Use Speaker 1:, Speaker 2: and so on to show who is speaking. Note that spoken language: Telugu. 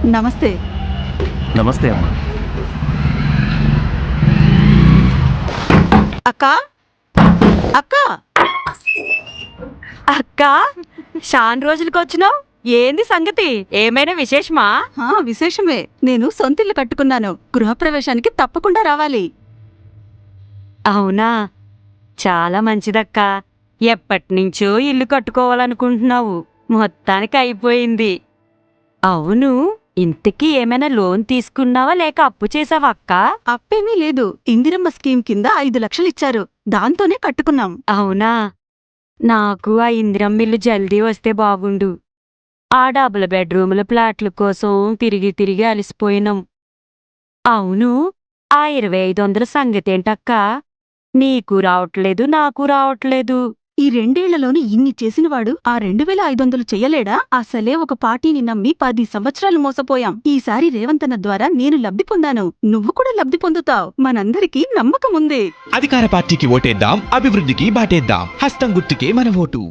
Speaker 1: నమస్తే.
Speaker 2: నమస్తే అమ్మా.
Speaker 1: అక్కా అక్కా
Speaker 3: అక్కా చాన్ రోజులకి వచ్చినావు. ఏంది సంగతి? ఏమైనా విశేషమా?
Speaker 1: విశేషమే. నేను సొంతిల్లు కట్టుకున్నాను. గృహప్రవేశానికి తప్పకుండా రావాలి.
Speaker 3: అవునా, చాలా మంచిదక్కా. ఎప్పటినుంచో ఇల్లు కట్టుకోవాలనుకుంటున్నావు, మొత్తానికి అయిపోయింది. అవును, ఇంతకీ ఏమైనా లోన్ తీసుకున్నావా లేక అప్పు చేసావా అక్కా?
Speaker 1: అప్పేమీ లేదు. ఇందిరమ్మ స్కీమ్ కింద 5 లక్షలు ఇచ్చారు. దాంతోనే కట్టుకున్నాం.
Speaker 3: అవునా, నాకు ఆ ఇందిరమ్మిల్లు జల్దీ వస్తే బాగుండు. ఆ డబుల్ బెడ్రూముల ప్లాట్ల కోసం తిరిగి తిరిగి అలసిపోయినాం. అవును, ఆ 2500 సంగతేంటక్కా? నీకు రావట్లేదు, నాకు రావట్లేదు.
Speaker 1: ఈ 2 ఏళ్లలోని ఇన్ని చేసినవాడు ఆ 2500 చెయ్యలేడా? అసలే ఒక పార్టీని నమ్మి 10 సంవత్సరాలు మోసపోయాం. ఈసారి రేవంతన్న ద్వారా నేను లబ్ధి పొందాను. నువ్వు కూడా లబ్ధి పొందుతావ్. మనందరికీ నమ్మకం ఉంది.
Speaker 4: అధికార పార్టీకి ఓటేద్దాం, అభివృద్ధికి బాటేద్దాం. హస్తం గుర్తుకే మన ఓటు.